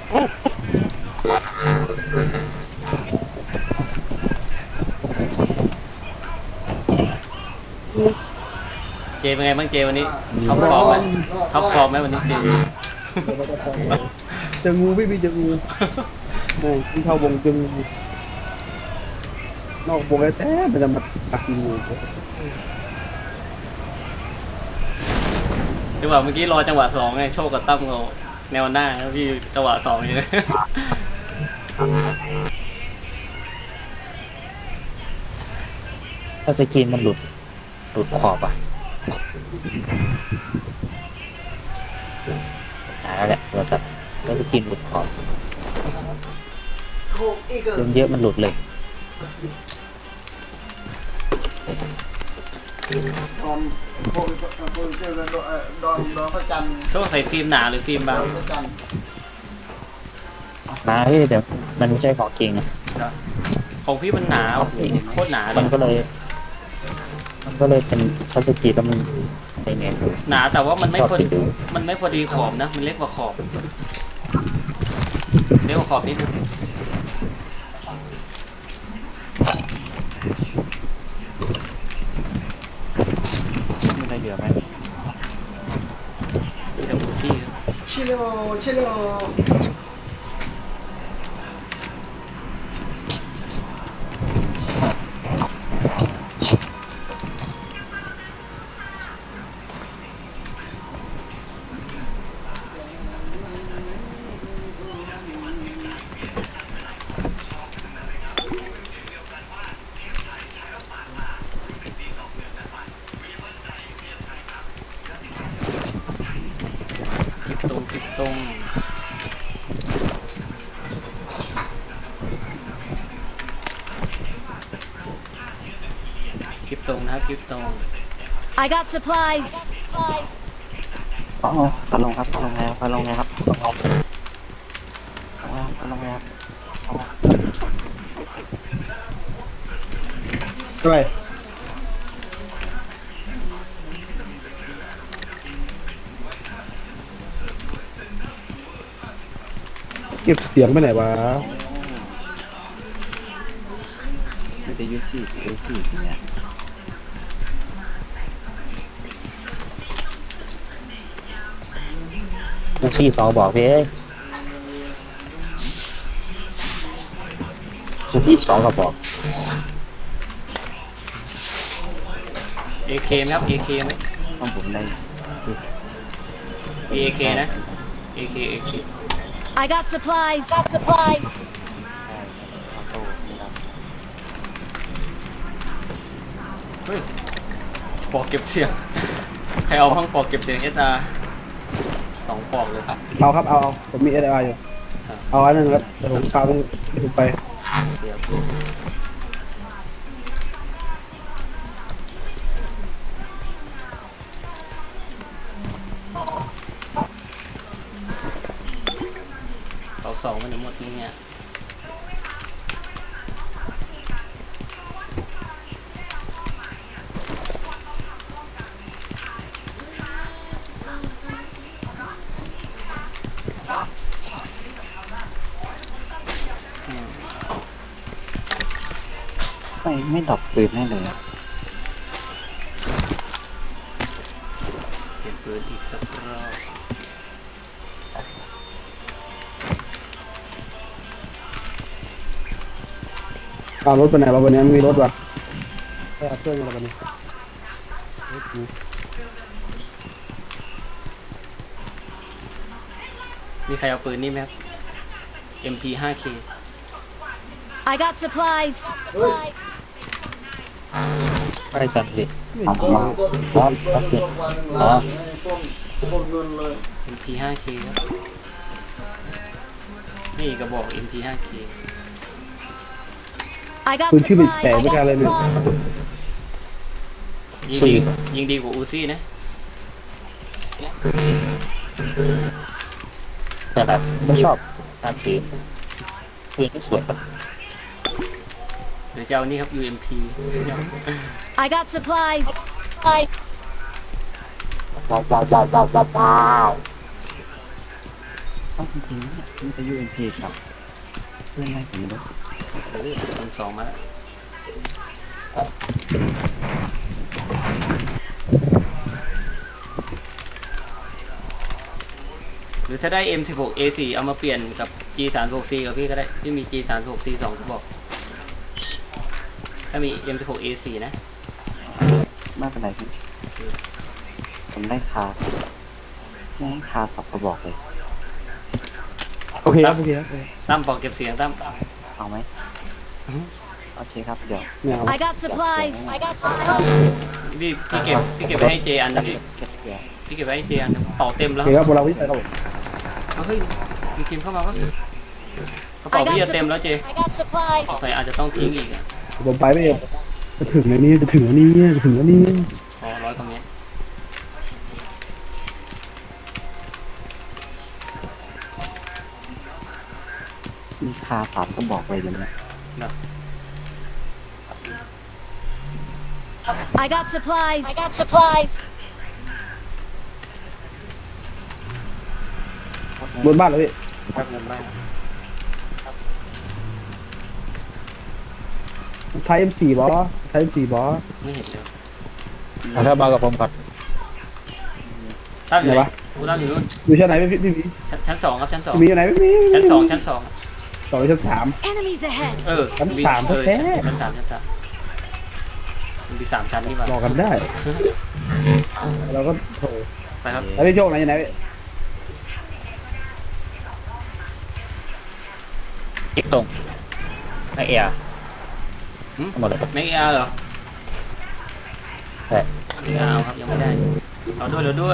เจเป็นไงบ้างเจวันนี้ท็อปฟอร์มไหมท็อปฟอร์มไหมวันนี้เจเจองูพี่เจองูโอ้ที่เข้าวงเจองูนอกวงแท้ๆมันจะมาตักกินงูจังหวะเมื่อกี้รอจังหวะสองไงโชคกับตั้มเขาแนวหน้าแล้วพี่จังหวะสองนี่เลยถ้าสกรีนมันหลุดขอบอ่ะหาแล้วแหละโทรศัพท์แล้วสกรีนหลุดขอบเยอะมันหลุดเลยตอนพวกเจอกันดอนพระจันทร์โชคใส่ฟิล์มหนาหรือฟิล์มบางพระจันทร์มาพี่เดี๋ยวมันไม่ใช่ของจริงอ่ะของพี่มันหนาโคตรหนาเลมันยก็เลยเป็นทัชสกรีนแล้วมันเป็นไงหนาแต่ว่ามันไม่พอดีขอบนะมันเล็กกว่าขอบนิดนึงมีอะไรเหลือไหมมีแต่บูซี่ครับชิโร่คลิปตรงนะครับคลิปตรง I got supplies. อ๋อพัดลงครับพัดลงแล้วพัดลงแล้วครับพัดลงแล้วอะไรเก็บเสียงไปไหนวะไม่ได้ยูซี่เนี่ยยูซี่สองบอกพี่ยูซี่สองก็บอก AK ไหมครับ AK ไหมต้องผมได้ AK นะ AK I got supplies. เฮ้ยปอกเก็บเสียงใครเอาห้องปอกเก็บเสียง SR 2 ปอกเลยครับเอาครับเอาผมมีSRอยู่เอาอันนึงครับแต่ผมพาไปไปเดี๋ยวเอา2มันทั้งหมดนี้เนี่ยไม่ดรอปปืนให้เลยเปลี่ยนปืนอีกสักรอบเอารถไปไหนวะวันนี้มีรถวะไปเอาเครื่องอะไรกันนี่รถกูมีใครเอาปืนนี่ไหมครับ MP5K I got supplies. ไอ้สัตว์ดิต้นวันหนึ่งหลายต้นเงินเลย MP5K ครับนี่กระบอก MP5K I got ปืนชื่อเป็นแตกไม่ supplies. กล้าเลยเนี่ยยิงดีกว่าอูซี่นะแต่แบบไม่ชอบการถือปืนที่สวยแบบเดี๋ยวจะเอานี่ครับ UMP I got supplies. ว้าวต้องจริงๆเนี่ยมันจะ UMP ครับเพื่อนไล่ผมเลยคูณ2มาแล้วหรือถ้าได้ M16A4 เอามาเปลี่ยนกับ G36C กับพี่ก็ได้ที่มี G36C 2กระบอกถ้ามี M16A4 นะไม่เป็นไรพี่ผมได้คาสอบกระบอกเลยโอเคครับโอเคครับตั้มปอกเก็บเสียงตั้มเอาไหมโอเคครับเดี๋ยวไม่เอา I got supplies. พี่เก็บไปให้เจอันหนึงดิเก็บเดี๋ยวพี่เก็บไปให้เจอันหนึงเป่าเต็มโอแล้วเคครับพวกเราวิ่งไปครับผมเอาเฮ้ยมีทีมเข้ามาปะกระเป๋าพี่จะเต็มแล้วเจ I got supplies. ใส่อาจจะต้องทิ้งอีกอ่ะผมไปไม่เองจะถึงแล้วนี่จะถึงแล้วนี่จะถึงแล้วนี่อ๋อ100 กว่าเมตรมีคาสอบกระบอกเลยเดี๋ยวนี้เนาะ I got supplies. I got supplies. บนบ้านเลยพี่แป๊บนึงได้นะไทย M4 บอสไทย M4 บอสไม่เห็นเลยถ้ามากับผมก่อนตั้มอยู่ไหนกูตั้มอยู่นู่นอยู่ชั้นไหนพี่พี่มีชั้น2ครับชั้นมีอยู่ไหนพี่มี 2ชั้น2ชั้น2 สองชั้นสาม Enemies ahead. เออชั้นมีสามเออแท้ชั้น3ชั้น3มันมี3ชั้นนี่หว่ารอกันได้เราก็โถไปครับแล้วพี่โชคไหนอยู่ไหนพี่อีกตรงไอเอียหึหมดเลยไม่เอาเหรอใช่ไม่เอาครับยังไม่ได้เอาด้วย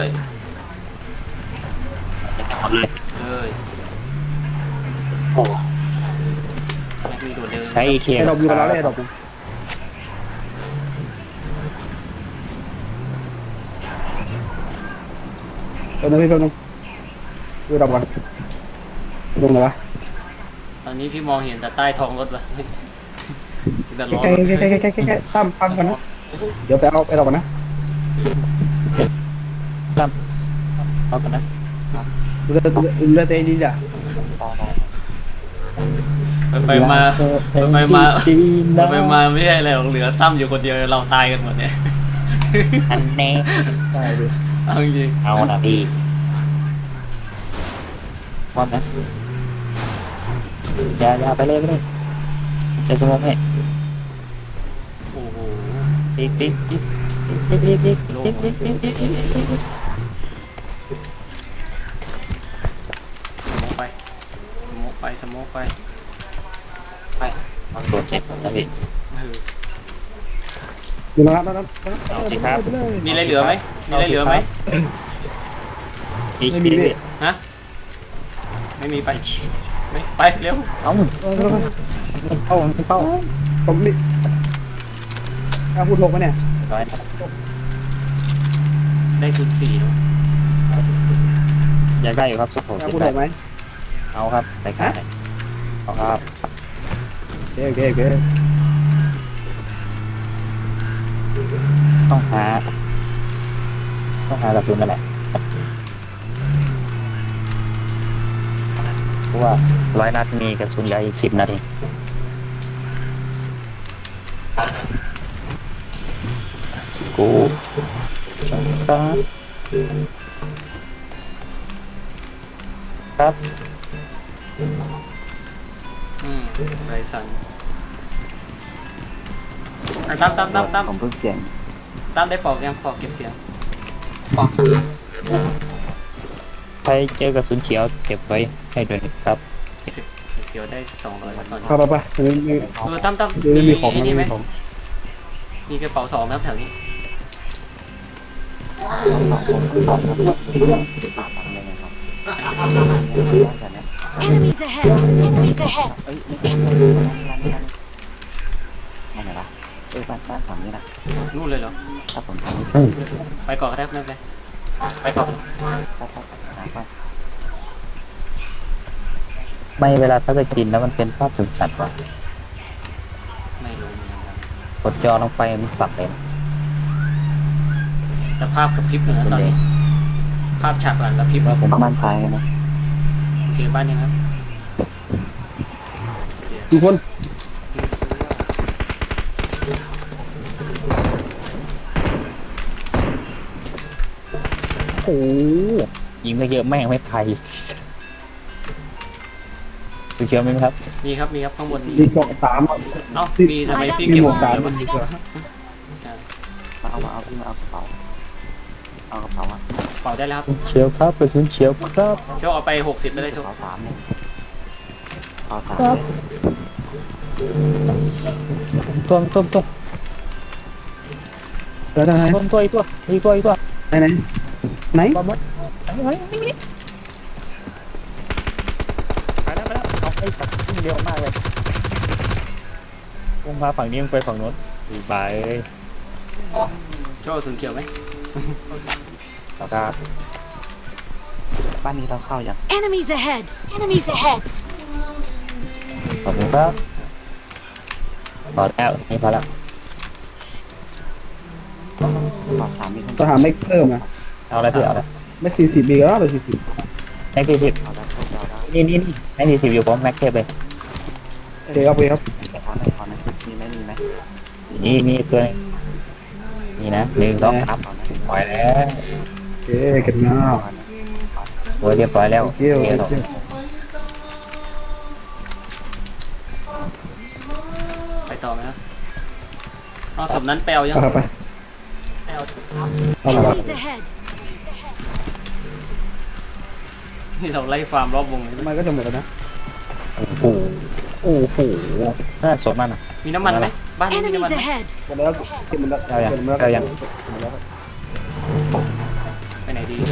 หมดเลยเลยแม็กมีโดดเดินใช้เคไอ้ดอกอยู่กับเราได้ไอ้ดอกเพิ่มนึงพี่เพิ่มนึงดูดอกก่อนลงเลยวะตอนนี้พี่มองเห็นแต่ใต้ท้องรถว่ะแต่ล้อแค่ตั้มฟังกันนะเดี๋ยวไปเอาไอ้ดอกก่อนนะตั้มเอากันนะดูแลตัวเองดีจ้ะไปมาไม่ใช่อะไรหรอกเหลือตั้มอยู่คนเดียวเราตายกันหมดเนี่ยอันแน่ได้ดิเอาจริงเอานะพี่พร้อมนะอย่าไปเลยจะสมองให้โอ้โหติ๊กสโมกไปไปมันโดนเจ็บนะพี่เอออยู่นะครับนั่นเอาสิครับมีอะไรเหลือไหมไม่ไม่มีพี่ฮะไม่มีไปไปเร็วเอ้าไม่เข้าผมนี่พูดลงไหมเนี่ยร้อยได้คูณ4แล้วอยากได้อยู่ครับสุดโหดพูดลงไหมเอาครับไปขายเอาครับโอเคต้องหากระสุนนั่นแหละเพราะว่า100 นัดมีกระสุนยาอีก10 นัดเองกูครับไรสันตั้มผมเพิ่งเปลี่ยนตั้มได้ปอกยังปอกเก็บเสียงใครเจอกระสุนเขียวเก็บไว้ให้ด้วยครับเสียวได้200ครับตอนนี้เข้าไปไม่ตั้มไม่มีของไอ้นี่ไหมของมีกระเป๋า2ครับแถวนี้ Enemies ahead. Enemies ahead. ไม่ไหนละบ้านฝั่งนี้นะนู่นเลยเหรอถ้าผมทำนี่ไปก่อนก็ได้ไม่เป็นไรไปก่อนไม่เวลาถ้าจะกินแล้วมันเป็นภาพสุดสัตว์ว่ะไม่รู้เหมือนกันครับกดจอลงไปมันสับเลยแต่ภาพกระพริบอยู่นะตอนนี้ ภาพฉากหลังกระพริบว่าผมมั่นใจนะเจอบ้านยังครับทุกคนโอ้โหยิงก็เยอะแม่งไม่ไทยคุณเชื่อไหมครับมีครับมีครับข้างบนมีดีเกาะสามอ่ะเอ้ามีทำไมพี่มีเก็บหมวกสามเลยวะดีกว่ามาเอาพี่มาเอากระเป๋าเอากระเป๋าอ่ะเป่าได้แล้วครับเชียวครับกระสุนเชียวครับโชคเอาไป60แล้วได้กโชระคเป๋าสามเนี่ยกระเป๋าสามครับต้มแล้วทางไหนตัวอีกตัวไหนบอมบ์ไปแล้วเอาไอ้สัตว์วิ่งเร็วมากเลยลงมาฝั่งนี้มันไปฝั่งโน้นดูไปโชคถึงเขียวไหมแล้วครับบ้านนี้เราเข้าอย่าง Enemies ahead! Enemies ahead! ขอบคุณครับพอแล้วนี่พอแล้วกระเป๋าสามมีคนต้องหาไม่เพิ่มอ่ะเอาอะไรพี่เอาอะไรไม่40ปีก็ได้ไป40 แม็กซี่สิบเอาได้เอาได้นี่แม็กซี่สิบอยู่ผมแม็กเทปเลยโอเคครับโอเคครับขอหน่อยขอหน่อยมีไหมมีไหมนี่ตัวนึงนี่นะ1 2 3 ขอหน่อยปล่อยแล้วโอเคเก็บหน้าขอหน่อยโอ้ยเรียบร้อยแล้วโอเคโอเคโอเคไปต่อไหมครับเอาศพนั้นแปลวยังเอาไปแปลวเอาไป Enemies ahead! นี่เราไล่ฟาร์มรอบวงเลยมันก็จะหมดแล้วนะโอ้โหน่าสดมากนะมีน้ำมันไหมบ้านนี้มีน้ำมัน Enemies ไหม ahead! หมดแล้วเก็บหมดแล้วเอายังเก็บหมดแล้วเอายังหมดแล้วไปไหนดี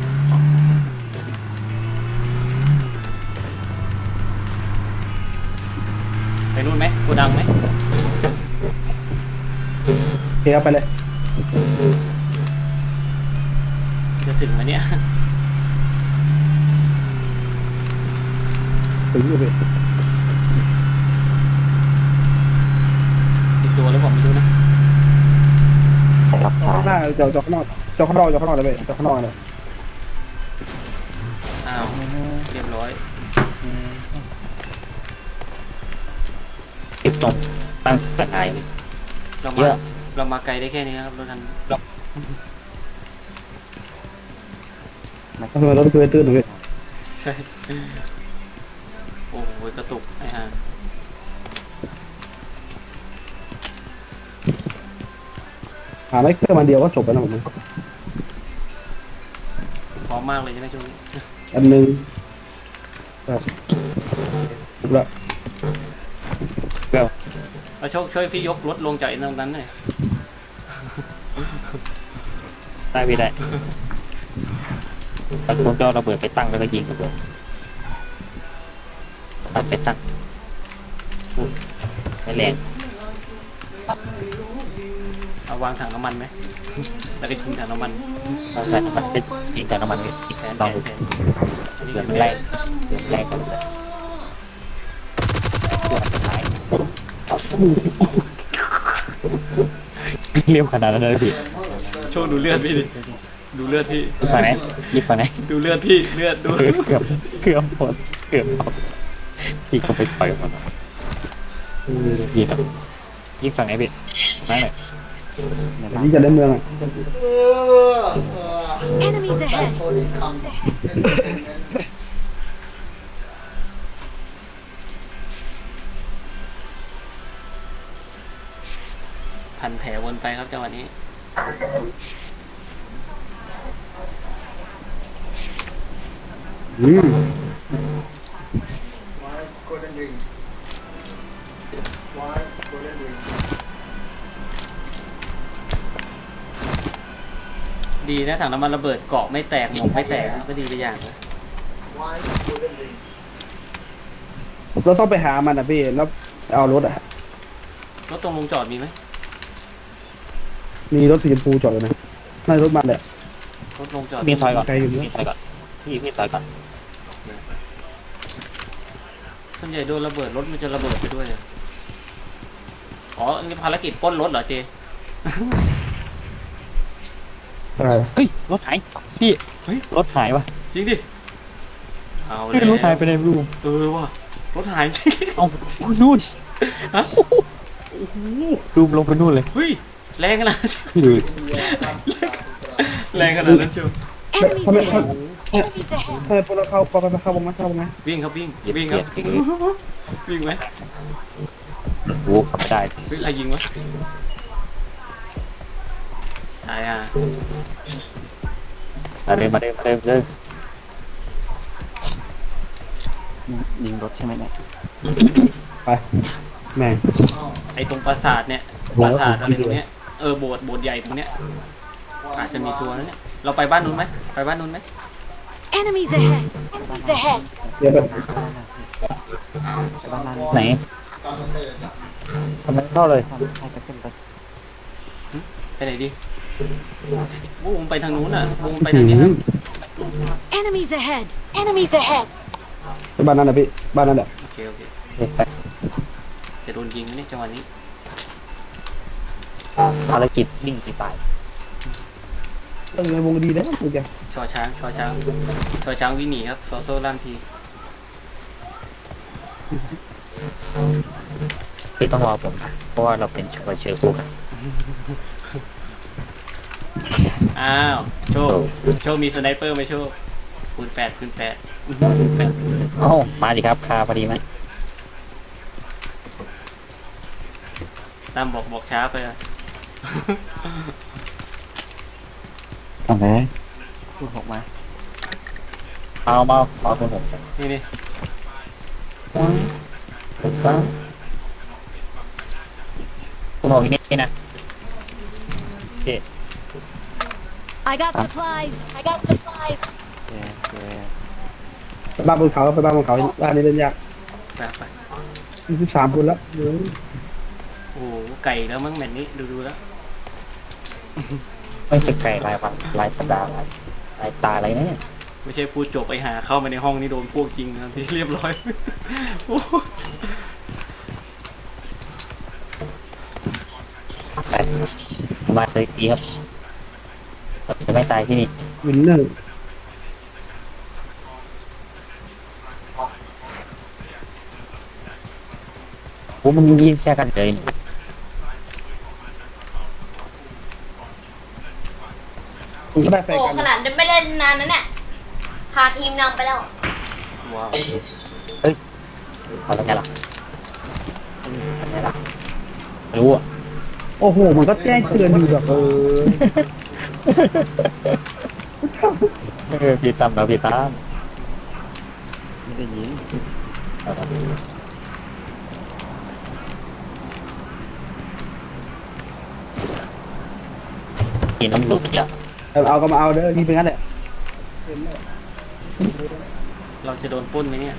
ไปนู่นไหมโกดังไหมโอเคครับไปเลยจะถึงไหมเนี่ยถึงอยู่พี่อีกตัวหรือเปล่าไม่รู้นะรับสาข้าย งหน้าเจาะข้างนอกเจาะข้างนอกเลยพี่เจาะข้างนอกเลยอ้าวเรียบร้อยติดตรงตั้งตะไคร้เราเยมาอะเรามาไกลได้แค่นี้ครับรถคันทำไมรถคือตื้นหนูพี่ใช่โอ้โหกระตุกไอ้ห่าหาไม่เพิ่มมันเดียวก็จบแล้วนะผมพร้อมมากเลยใช่ไหมช่วงนี้อันหนึงครับจบแล้วเราโชคช่วยพี่ยกรถลงจากไอ้ตรงนั้นหน่อยได้พี่ได้ตะโกนก็ระเบิดไปตั้งแล้วก็ยิงระเบิดตัดไปตั้งไม่แรงเอาวางถังน้ำมันไหมแล้วก็ทิ้งถังน้ำมันเราใส่น้ำมันเป็นยิงจากน้ำมันอีกแทนต้องแทนอันนี้เดืก็อดไม่แรได้งเดือดแรงกว่าเลยตัวสุดท้ายเรียวขนาดนั้นเลยพี่โชคดูเลือดพี่ดิดูเลือดพี่ฝั่งไหนยิบฝั่งไหนดูเลือดพี่เลือดดูเกือบหมดเกือบหมดพี่ก็ไปต่อยหมดยิงแบบยิงฝั่งไหนพี่นั่นแหละในแต่บ้านนี่จะได้เมืองอ่ะ Enemies ahead! พันแผลวนไปครับจังหวะนี้ Why golden ring? Why golden ring? ดีนะถังน้ำมันระเบิดเกาะไม่แตกหมกไม่แตกก็ดีไปอย่างนะ Why golden ring? เราต้องไปหามันอ่ะพี่แล้วเอารถอ่ะรถตรงลงจอดมีไหมมีรถสีชมพูจอดเลยนะน่าจะรถมันแหละรถลงจอดพี่ถอยก่อนไกลอยู่พี่นะถอยก่อนพี่ถอยก่อนส่วนใหญ่โดนระเบิดรถมันจะระเบิดไปด้วยอะอ๋ออันนี้ภารกิจปล้นรถเหรอเจอะไรเฮ้ยรถหายพี่เฮ้ยรถหายวะจริงดิเอาไม่แล้วรู้หายไปไหนไม่รู้ว่ะรถหายจริงเอานู่นฮะรูมลงไปนู่นเลยเฮ้ยแรงขนาดนั้นพี่ดูแรงขนาดนั้นเชียว Enemies ทำไม ahead. Enemies ahead. ทำไมพวกเราเข้าวงไหมวิ่งครับวิ่งเหยียบวิ่งเหคยีรัยบบเหยียบวิ่งไหมโอ้ขับไม่ได้เฮ้ยใครยิงวะตายอ่ะมาเดินมาเดินมาเดินมาเดินยิงรถใช่ไหมเนี่ยไปแม่งไอตรงปราสาทเนี่ยปราสาทอะไรตรงเนี้ยโบสถ์ใหญ่ตรงเนี้ยอาจจะมีตัวนั้นเนี่ยเราไปบ้านนู้นไหมไปบ้านนู้นไหม Enemies ahead. Enemies ahead. เดี๋ยวแบบไปบ้านนั้นไหนทำไมเข้าเลยทำให้ไปขึ้นไปไปไหนดีบูมไปทางนู้นอ่ะบูมไปทางนี้ครับ Enemies ahead. Enemies ahead. บ้านนั้นนะพี่บ้านนั้นแหละโอเคเด็กไปจะโดนยิงนะเนี่ยจังหวะนี้ภารกิจวิ่งกี่ไปต้องในวงดีนะมึงแกชอช้างวิ่งหนีครับโซโซ่ล่ามทีคือต้องรอผมเพราะว่าเราเป็นเชื้อคู่กันอ้าวโชคมีสไนเปอร์ไหมโชคคูณ 8 โอ้มาดิครับคาพอดีไหมตามบอกช้าไปอะทำเลยพูดออกมาเอาเป็นผมนี่คุณบอกอย่างนี้นะโอเค I got supplies. I got supplies. เจเจไปบ้านบนเขาบ้านนี้เล่นยากไป 13 คนแล้วเดี๋ยวโอ้โหไก่แล้วมั้งแมตช์นี้ดูแล้วไม่จะไก่รายวันรายสัปดาห์รายตาอะไรเนี่ยไม่ใช่พูดจบไปหาเข้ามาในห้องนี่โดนพวกจริงนะที่เรียบร้อย โอ้โหไปมาสตีครับเราจะไม่ตายที่นี่วินเนอร์โอ้มันยิงแช่กันเลยก็ได้แฟนโอ้กันขนาดไม่เล่นนานนั้นเนี่ยพาทีมนำไปแล้วว้าวเอาแล้วไงล่ะเอาไงล่ะไม่รู้อ่ะโอ้โหมันก็แจ้งเตือนอยู่แบบพี่ตั้มเราพี่ตั้มไม่ได้ยิงกินน้ำหลุดอ่ะเอาก็มาเอาเด้อนี่เป็นงั้นแหละเราจะโดนปล้นไหมเนี่ย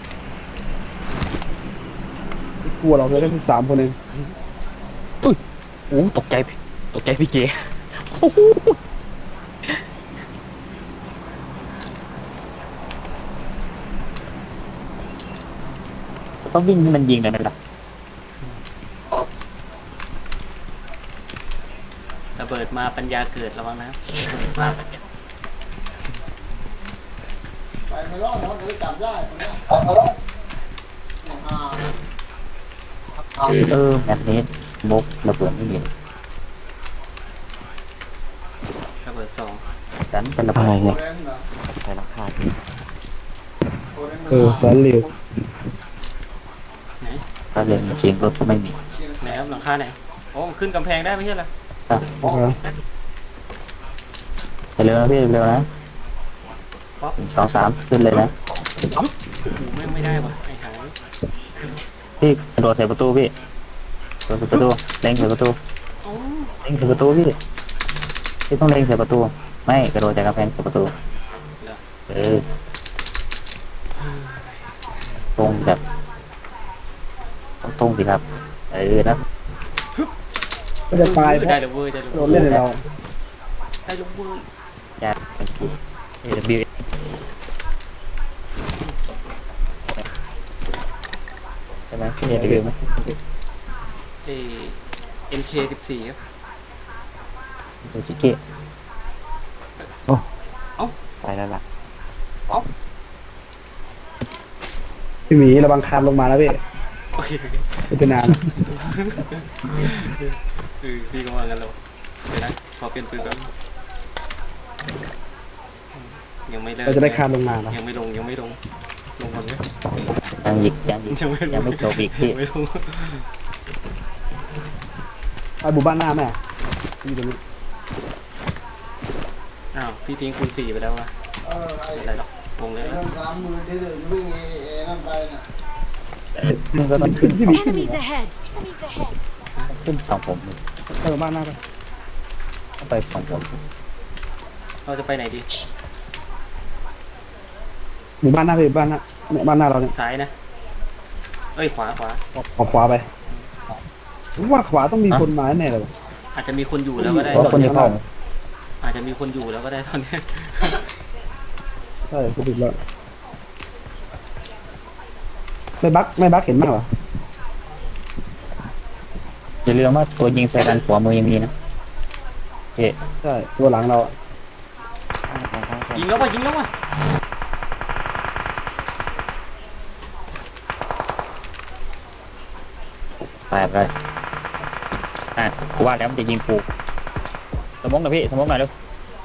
กลัวเราเลยได้13 คนเองโอ้ตกใจพี่เก๋ต้องวิ่งให้มันยิงเลยไหมล่ะระเบิดมาปัญญาเกิดระวังนะไปไม่รอดเนาะเดี๋ยวจับได้คนเนี้ยแบบนี้มุกระเบิดไม่มีระเบิด2 ดันเป็นระเบิดอะไรโคเนี่ยเรนเหรอใส่ราคาที่โคเรนสารเหลวไหนถ้าเรียนจริงรถก็ไม่มีไหนครับหลังคาไหนโอ้ขึ้นกำแพงได้ไม่ใช่เหรอไปเร็วนะพี่เร็วนะ2 3ขึ้นเลยนะโอ้โหไม่ได้ว่ะไอ้หายพี่กระโดดใส่ประตูพี่กระโดดใส่ประตูเล็งใส่ประตูโอ้เล็งใส่ประตูพี่ต้องเล็งใส่ประตูไม่กระโดดจากกำแพงใส่ประตูตรงแบบตรงสิครับนะก็จะตายเพได้ราะเลยเว้ยได้เลยโดนเล่นในเราได้เลยเว้ยยากAW ใช่ไหมพี่AW ไหม MK14 ครับเป็นสุเกะไปแล้วล่ะพี่หมีระวังคานลงมาแล้วพี่โอเคไม่เป็นนานพี่ก็ว่างั้นแล้วเดี๋ยวนะขอเปลี่ยนปืนก่อนยังไม่เลิกเราจะได้คานลงมานะยังไม่ลงลงก่อนไหมยังหยิกยังหยิกยังไม่ลงยังไม่จบอีกพี่ยังไม่ลงไปบุบ้านหน้าแม่อยู่ตรงนี้อ้าวพี่ทิ้งคูณ 4ไปแล้ววะไอ้ไม่เป็นไรหรอกวงเลยเรื่อง30,000ที่เหลือจะวิ่งนั่นไปน่ะมันก็ต้องขึ้นพี่หมีขึ้น Enemies ahead. ขึ้นสองผมไปบุบ้านหน้าไปต้องไปสองผมเราจะไปไหนดีหมู่บ้านหน้าไปบ้านหน้าเนี่ยบ้านหน้าเราเนี่ยซ้ายนะ เอ้ยขวาออกขวาไปผมว่าขวาต้องมีคนมาแน่เลยวะอาจจะมีคนอยู่แล้วก็ได้เพราะตอนคนนี้จะเข้าอาจจะมีคนอยู่แล้วก็ได้ตอนนี้ใช่ถูกแล้วไม่บักเห็นมากเหรออย่าลืมว่าตัวยิงใส่กันขวามือยังมีนะเอ๊ะใช่ตัวหลังเราอะยิงแล้ววะแปดเลยกูว่าแล้วมันจะยิงกูสมองหน่อยพี่สมองหน่อยเร็ว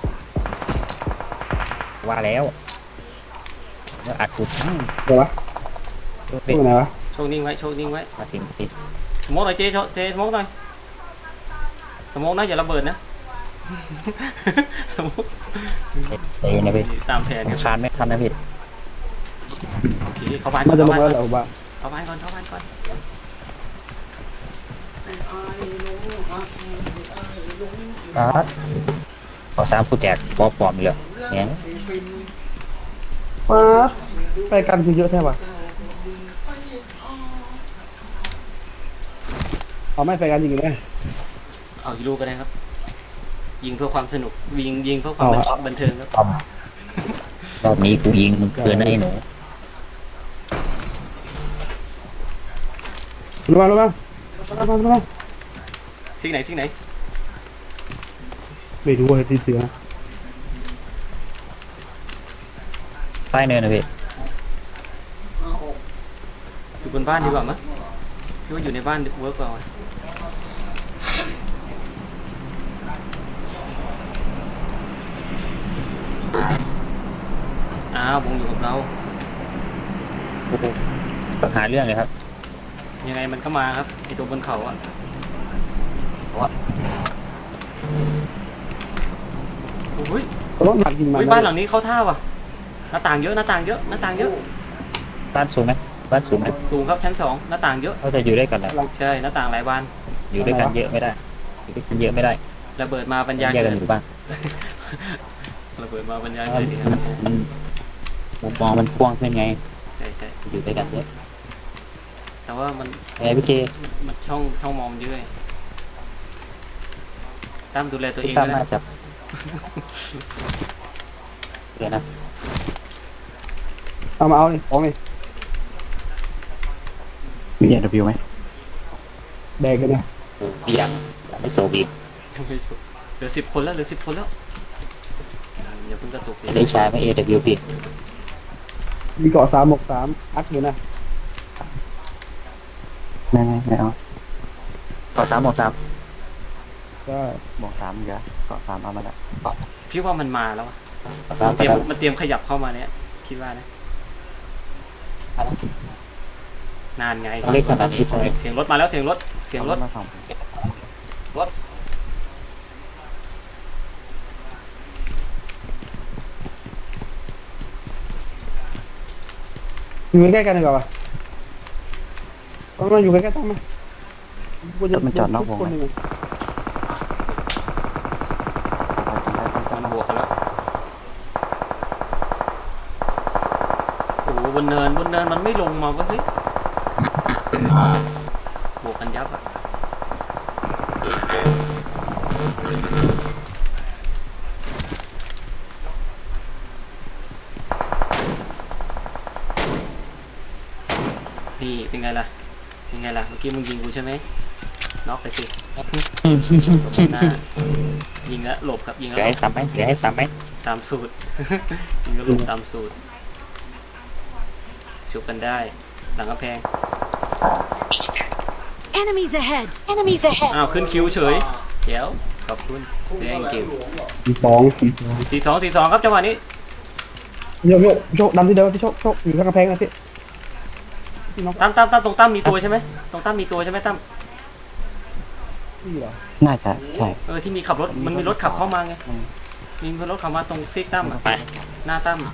ว่าแล้วอัดกูทั้งเดี๋ยววะตัวตัเป็ดวไหนวะโชคนิ่งไว้มาถึงติดสโมกหน่อยเจสโมกหน่อยสโมกนะอย่าระเบิดนะ สโมกเตะนะพี่ตามแผนครับคานไม่ทันนะพี่โอเคเข้าบ้านมันจะเข้าลงบ้านแล้วเหรอวะเข้าบ้านก่อนขอสามผู้แจกปอปลอมเลยเนี่ยสีฟินป๊าบไปกันคือเยอะแท้วะเอาไม่ไปกันจริงไหมเอาอีกลูกก็ได้ครับ ยิงเพื่อความสนุกยิงเพื่อความบันเทิงครับรอบนี้กูยิงมึงเกินนะไอ้หนูรู้ป่ะรู้ป่ะที่ไหนไม่รู้ว่าที่เสือใต้เนินนะพี่อยู่บนบ้านดีกว่ามั้ยคิดว่าอยู่ในบ้านเวิร์กกว่าวะอ้าววงอยู่กับเราหาเรื่องเลยครับยังไงมันก็มาครับไอตัวบนเขาอะโอ้ยรถหนักจริงมาบ้านหลังนี้เข้าท่าว่ะหน้าต่างเยอะบ้านสูงไหมบ้านสูงไหมสูงครับชั้น 2หน้าต่างเยอะเขาจะอยู่ด้วยกันแหละใช่หน้าต่างหลายบานอยู่ด้วยกันเยอะไม่ได้อยู่ด้วยกันเยอะไม่ได้ระเบิดมาบรรยายแยกเกิกันดอยู่บ้านระเบิดมาบรรยายเกิดดีครับมันมุมมองมันกว้างขึ้นไงใช่อยู่ด้วยกันเยอะแต่ว่ามันไอ้พี่เจมันช่องมองมันเยอะตามดูแลตัวเองตามด้วยน่านะจะเดี๋ยวนะเอามาเอาเลยของเลยมีAW ไหมแดกกันนะพี่ยังไม่โตบียังไม่จบเหลือ10 คนแล้วอย่าเพิ่งกระตุกดิได้ใช้ไหม AW พี่มีเกาะ363อัดอยู่นะไม่เอาขอ3 หมดก็บอก3เยอะก็3เอามาละพี่ว่ามันมาแล้วอะ 3 มันเตรียมขยับเข้ามาเนี่ยคิดว่านะนานไงเล็กขนาดนี้ใช่ไหมเสียงรถมาแล้วเสียงรถมาส่องอยู่ใกล้ๆกันดีกว่าวะต้องมาอยู่ใกล้ๆต้องมามันจอดนอกวงคนไหมหนึ่งมันบวกกันแล้วโอ้โหบนเนินมันไม่ลงมาเว้ยเฮ้ยบวกกันยับอะนี่เป็นไงล่ะเมื่อกี้มึงยิงกูใช่ไหมน็อกไปสิหลบหน้ายิงแล้วหลบครับยิงเหแล้ลืวอหลให้บซ้ำไหมเหลือให้ซ้ำไหมตามสูตร ยิงแล้วหลบตามสูตรชุบกันได้หลังกำแพง Enemies ahead. Enemies ahead. อ้าวขึ้นคิวเฉยเดี๋ยวขอบคุณแดงเกม 42 4-2 ครับจังหวะนี้โชคดำที่เดิมพี่โชคอยู่ข้างกำแพงนะพี่น้องตั้มตรงตั้มมีตัวใช่ไหมตรงตั้มมีตัวใช่ไหมตั้มพี่เหรอน่าจะใช่ที่มีขับรถมันมีรถขับเข้ามาไงมีรถขับมาตรงซิกตั้มอะไปหน้าตั้ม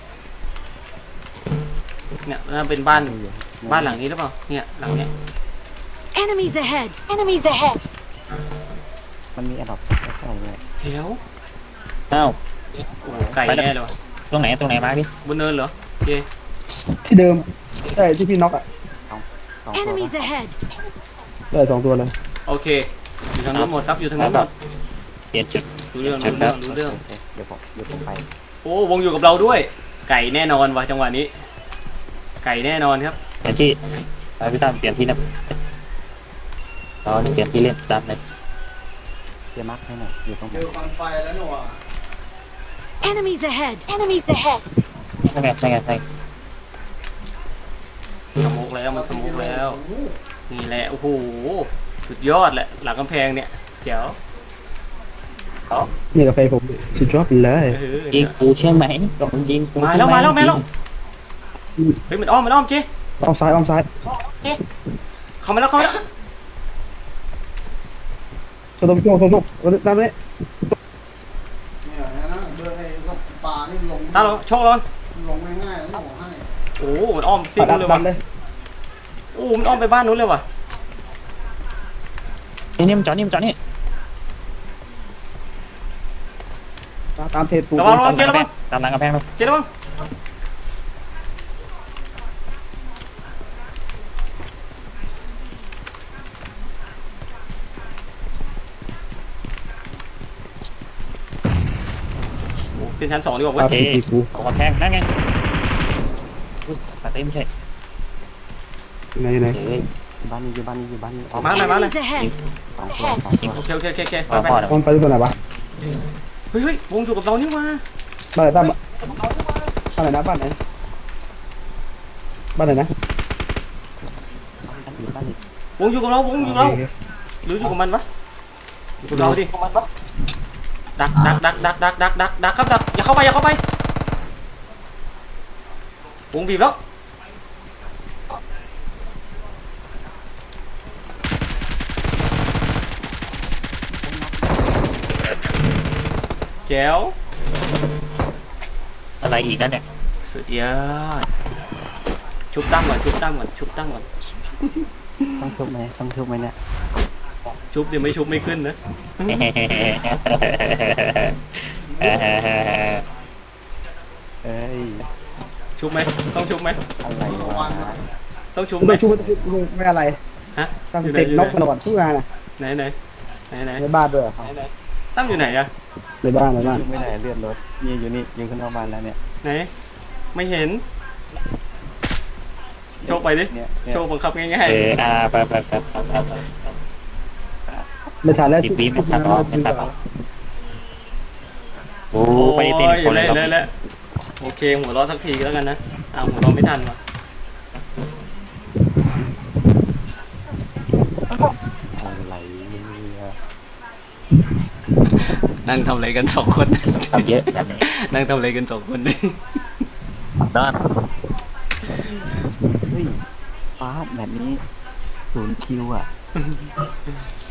เนี่ยน่าเป็นบ้านหลังนี้หรือเปล่าเนี่ยหลังเนี้ย Enemies ahead. Enemies ahead. มันมีแอดดอปใกล้ๆเลยเชียวอ้าวโอ้โหไก่แน่เลยว่ะตรงไหนมาพี่บนเนินเหรอเจที่เดิมใช่ที่พี่น็อกอ่ะสองตัว Enemies ahead. ได้2ตัวเลยโอเคอยู่ทางนู้นหมดครับอยู่ทางนู้นหมดเปลี่ยนจุดรู้เรื่องจุดแล้วรู้เรื่องโอเคเดี๋ยวผมไปโอ้วงอยู่กับเราด้วย ไก่แน่นอนว่ะจังหวะนี้ ไก่แน่นอนครับเปลี่ยนที่ไปพี่ตั้มเปลี่ยนที่นะเราเปลี่ยนที่เล่นตามเลยเดี๋ยวมาร์คให้หน่อยอยู่ตรงไหเจนอควันไฟแล้วหนูอ่ะ Enemies ahead. Enemies ahead. ใช่ไงสโมกแล้วมันสโมกแล้ว นี่แหละโอ้โหสุดยอดแหละหลังกำแพงเนี่ยแจ๋วนี่กาแฟผมสุดยอดไปเลยเออยิงกูใช่ไหมยิงกูมาแล้วเฮ้ยมันอ้อมเจ๊อ้อมซ้ายเข้ามาแล้วโชคตามนี้เนี่ยนะเดินไอ้ก็ปลานี่ลงตาเราโชคเราลงง่ายๆแล้วหนูให้โอ้มันอ้อมซิ่งเลยดัว่ะนเลยโอ้มันอ้อมไปบ้านนู้นเลยว่ะนี่มันจอดนี่ตามเพจปูระวังเจ๊ระวังตามหลังกำแพงเลยเจ๊ระวังโอ้ขึ้นชั้น 2ดีกว่าเว้ยโอเคกำแพงนั่นไงสัตว์ไม่ใช่ไหนเฮ้ยบ้านนี้อยู่บ้านนี้ออกมาเลย Enemies ahead. สองตัวโอเคไปพ่อๆมันไปที่ตัวไหนวะเฮ้ยวงอยู่กับเรานี่มาบ้านไหนตั้มบ้านไหนนะบ้านไหนนะบ้านนี้วงอยู่กับเราหรืออยู่กับมันวะอยู่กับเราดิดักครับดักอย่าเข้าไปวงบีบแล้วแจ๋วอะไรอีกนั่นเนี่ยสุดยอดชุบตั้งก่อนต้องชุบไหมเนี่ยชุบเดี๋ยวไม่ชุบไม่ขึ้นนะเอ้ยชุบไหมต้องชุบไหมอะไรวะต้องชุบไม่ไหมชูไม่อะไรฮะตั้งเต็กน็อกตลอดทุกงานอ่ะไหนในบ้านด้วยตั้มอยู่ไหนอะในบ้านไม่ได้เลื่อนรถนี่อยู่นี่ยิงขึ้นนอกบ้านแล้วเนี่ยไหนไม่เห็นโชคไปดิเนี่ยโชคบังคับง่ายไปไม่ทันแล้ว 10 วิไม่ทันหรอกไม่ทันหรอก โอ้ๆโอ้ไปเต้นยคนเลยเลยโอเคหัวเราะสักทีแล้วกันนะหัวเราะไม่ทันว่ะอะไรเนี่ยนั่งทำอะไรกัน2 คนทำเยอะแบบนี้นั่งทำอะไรกัน2 คนดินั่นเฮ้ยฟ้าแบบนี้0 คิวอ่ะ